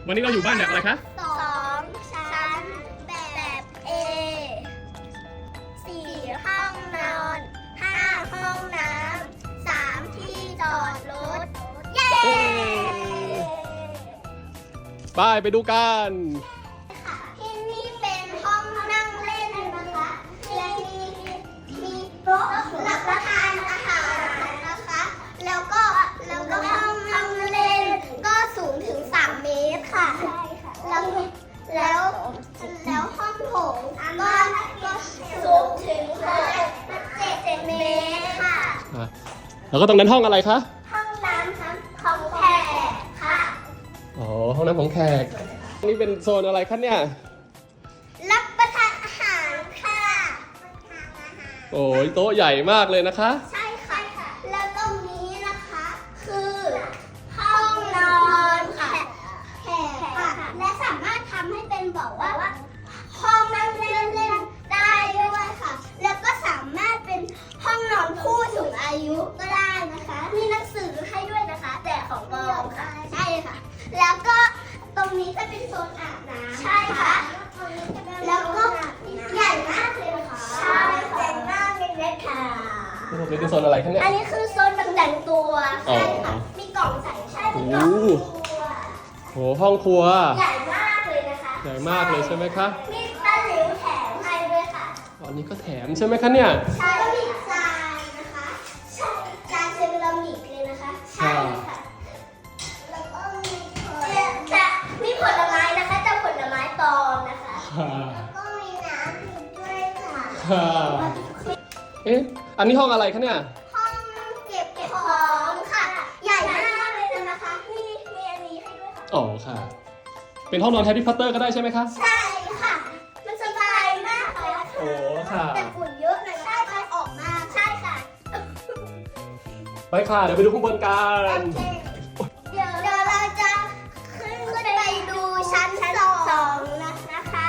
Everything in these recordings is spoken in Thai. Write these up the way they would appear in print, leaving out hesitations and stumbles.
วันนี้เราอยู่บ้านแบบอะไรคะ 2 ชั้นแบบA 4 ห้องนอน 5 ห้องน้ำ 3 ที่จอดรถ เย้ไปดูกันค่ะที่นี่เป็นห้องนั่งเล่นนะคะและมีโต๊ะรับประทานอาหารนะคะ แล้วก็ห้องนั่งเล่นก็สูงถึง3 เมตรค่ะ แล้วห้องโถงก็สูงถึง7 เมตรค่ะแล้วก็ตรงนั้นห้องอะไรคะห้องน้ำของแขกค่ะอ๋อ ห้องน้ำของแขก นี่เป็นโซนอะไรคะเนี่ยรับประทานอาหารค่ะโอ้ยโต๊ะใหญ่มากเลยนะคะใช่ค่ะ แล้วตรงนี้นะคะคือห้องนอนแขกค่ะ และสามารถทำให้เป็นบอกว่าห้องนั่งเล่นได้ด้วยค่ะ แล้วก็สามารถเป็นห้องนอนผู้สูงอายุก็ได้นะคะ มีหนังสือให้ด้วยนะคะ แต่ของปลอมค่ะ ใช่ค่ะ แล้วก็ตรงนี้จะเป็นโซนอาบน้ำใช่ค่ะ แล้วก็ใหญ่มากเลยค่ะใช่ใหญ่มากเลยนะคะนี่เป็นโซนอะไรคะเนี่ยอันนี้คือโซนแต่งตัวอ๋อใช่ค่ะ มีกล่องใส่ใช่มีกล่องครัวโห ห้องครัวใหญ่มากเลยนะคะใหญ่มากเลยใช่ไหมคะมีตะหลิวแถมให้ด้วยค่ะอันนี้ก็แถมใช่ไหมคะเนี่ยใช่ก็มีจานนะคะใช่จานเซรามิกเลยนะคะ ใช่ค่ะ แล้วก็มีผลไม้นะคะแต่ผลไม้ปลอมนะคะ แล้วก็มีน้ำอยู่ด้วยค่ะเอ๊ะ อันนี้ห้องอะไรคะเนี่ยห้องเก็บของค่ะ ใหญ่มากเลยนะคะ มีอันนี้ให้ด้วยค่ะอ๋อค่ะ เป็นห้องนอนแฮร์รี่พอตเตอร์ก็ได้ใช่ไหมคะใช่ค่ะ มันสบายมากเลยโอ้ค่ะแต่ฝุ่นเยอะหน่อยใช่ค่ะออกมาใช่ค่ะไปค่ะ เดี๋ยวไปดูข้างบนกัโอน เคเดี๋ยวเราจะขึ้นไปดูชั้นสองนะคะ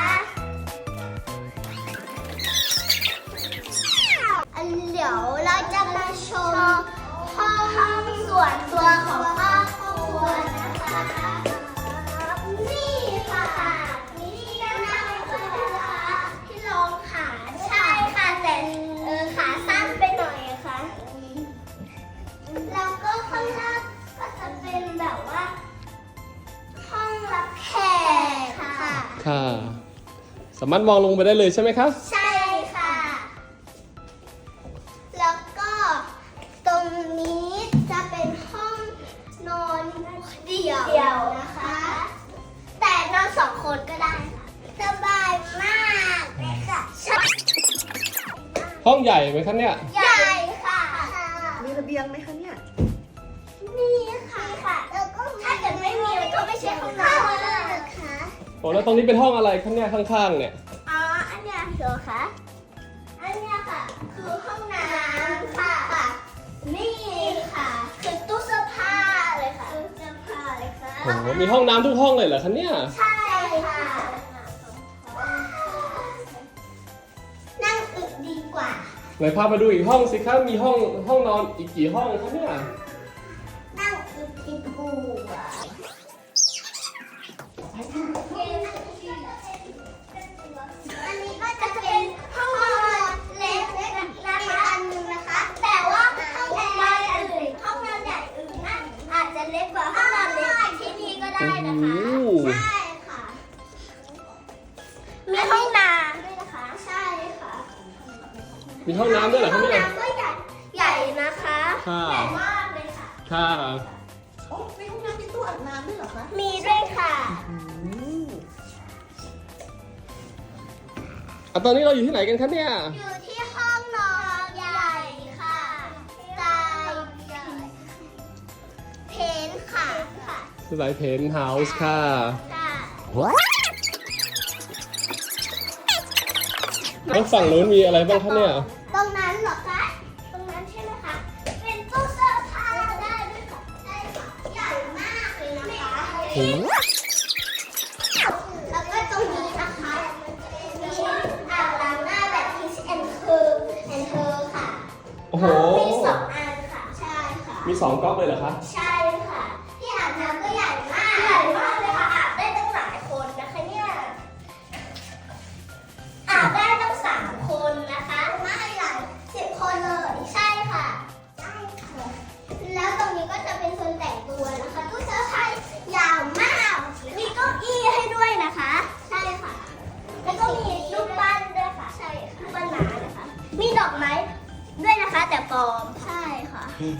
เดี๋ยวเราจะมาชมห้องส่วนตัวของครอบครัวนะคะ นี่ค่ะนี่นั่งเลยนะคะที่รองขาใช่ค่ะแต่ขาสั้นไปหน่อยอะค่ะแล้วก็ข้างล่างก็จะเป็นแบบว่า ห้องรับแขกค่ะค่ะ สามารถมองลงไปได้เลยใช่ไหมคะใช่ค่ะ แล้วก็ตรงนี้จะเป็นห้องนอนเดี่ยวนะคะ แต่นอน2 คนก็ได้ค่ะสบายมากเลยค่ะห้องใหญ่ไหมคะเนี่ยใหญ่ค่ะมีระเบียงไหมคะเนี่ยมีค่ะแล้วก็ถ้าเกิดไม่มีก็ไม่ใช่ห้องนอนนะคะโอ้แล้วตรงนี้เป็นห้องอะไรคะเนี่ยข้างๆเนี่ยอ๋ออันเนี้ยเหรอคะอันเนี้ยค่ะ คือห้องน้ำค่ะ นี่ค่ะ คือตู้เสื้อผ้าเลยค่ะตู้เสื้อผ้าเลยค่ะโอ้โหมีห้องน้ำทุกห้องเลยเหรอคะเนี่ยใช่ค่ะ นั่งอึดีกว่าไหนพามาดูอีกห้องสิคะ มีห้องนอนอีกกี่ห้องคะเนี่ยนั่งอึดีกว่าอันนี้ก็จะเป็นห้องนอนเล็กนะคะอันนึงนะคะ แต่ว่าห้องนอนอื่นห้องนอนใหญ่อื่นนั่นอาจจะเล็กกว่าห้องนอนเล็กที่นี่ก็ได้นะคะโอ้โหใช่ค่ะ มีห้องน้ำด้วยนะคะ ใช่ค่ะมีห้องน้ำด้วยเหรอห้คะองเนี่ยน้ำก็ใหญ่นะคะค่ะใหญ่มากเลยค่ะค่ะโอ้มีห้องน้ำมีตู้อาบน้ำด้วยเหรอคะมีด้วยค่ะตอนนี้เราอยู่ที่ไหนกันคะเนี่ยอยู่ที่ห้องนอนใหญ่ค่ะสไตล์ใหญ่เพนท์ค่ะสไตล์เพนท์เฮาส์ค่ะค่ะแล้วฝั่งนู้นมีอะไรบ้างคะเนี่ยตรงนั้นเหรอคะ ตรงนั้นใช่ไหมคะ เป็นตู้เสื้อผ้าได้ด้วยค่ะใช่ค่ะ ใหญ่มากเลยนะคะโอ้โหแล้วก็ตรงนี้นะคะมีอ่างล้างหน้าแบบ Kiss and Her ค่ะโอ้โหมี2 อันค่ะ ใช่ค่ะมี2ก๊อกเลยเหรอคะใช่ค่ะ ที่อาบน้ำก็ใหญ่มากเลยค่ะ อาบได้มีดอกไม้ด้วยนะคะ แต่ปลอมใช่ค่ะ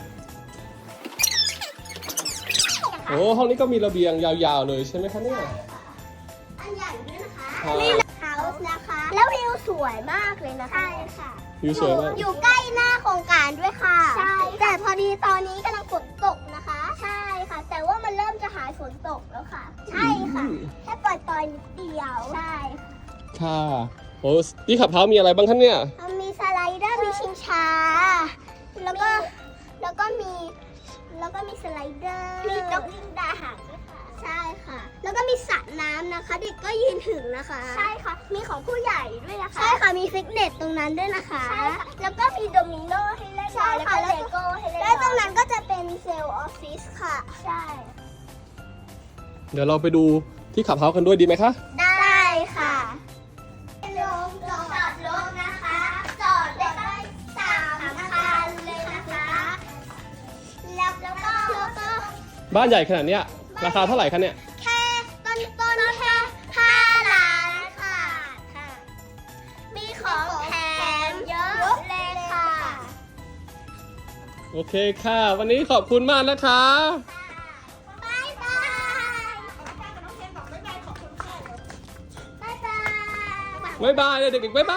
โอ้ห้องนี้ก็มีระเบียงยาวๆเลยใช่ไหมคะเนี่ยอันใหญ่ด้วยนะคะครับนี่เฮาส์นะคะ แล้ววิวสวยมากเลยนะคะ ใช่ค่ะวิวสวยมากอยู่ใกล้หน้าโครงการด้วยค่ะ ใช่ แต่พอดีตอนนี้กำลังฝนตกนะคะ ใช่ค่ะ แต่ว่ามันเริ่มจะหายฝนตกแล้วค่ะ ใช่ค่ะ แค่ปล่อยๆนิดเดียว ใช่ค่ะค่ะโอ้ที่ขับเท้ามีอะไรบ้างคะเนี่ยมีสไลเดอร์ มีชิงช้า แล้วก็มีสไลเดอร์ มีนกยิงดาหางด้วยค่ะ ใช่ค่ะ แล้วก็มีสระน้ำนะคะ เด็กก็ยืนถึงนะคะ ใช่ค่ะ มีของผู้ใหญ่ด้วยนะคะ ใช่ค่ะ มีฟิตเนสตรงนั้นด้วยนะคะ ใช่ค่ะ แล้วก็มีโดมิโนให้เล่น ใช่ค่ะ แล้วก็เลโก้ให้เล่น แล้วตรงนั้นก็จะเป็นเซลล์ออฟฟิศค่ะ ใช่เดี๋ยวเราไปดูที่ขับเท้ากันด้วยดีไหมคะได้ค่ะลงจอดรถนะคะ จอดได้3 คันเลยนะคะ แล้วก็บ้านใหญ่ขนาดเนี้ยราคาเท่าไหร่คะเนี่ยแค่ต้นแค่5 ล้านค่ะ มีของแถมเยอะเลยค่ะโอเคค่ะ วันนี้ขอบคุณมากนะคะบ๊ายบายน้องเทนบอกบ๊ายบายขอบคุณค่ะบ๊ายบายบ๊ายบายเลยเด็กๆบ๊ายบาย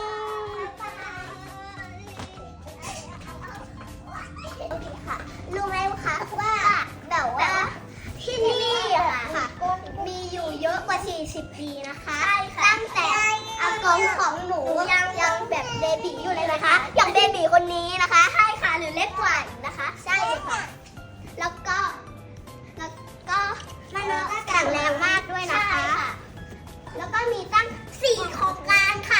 โอเคค่ะ รู้ไหมคะว่าแบบว่าที่นี่อะค่ะ มีอยู่เยอะกว่า 40 ปีนะคะ ตั้งแต่อากงของหนูยังแบบเบบีอยู่เลยนะคะ อย่างเบบีคนนี้นะคะ ใช่ค่ะ หรือเล็กกว่าอีกนะคะ ใช่ค่ะ แล้วก็มันก็แข็งแรงมากด้วยนะคะ แล้วก็มีตั้ง 4 โครงการค่ะ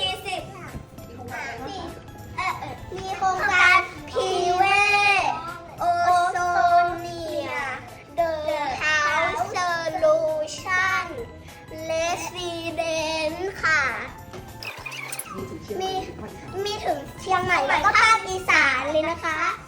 มีโครงการพีเวโอโซเนียเดอะเฮาส์โซลูชั่นเลสซีเดนค่ะ มีถึงเชียงใหม่แล้วก็ภาคอีสานเลยนะคะ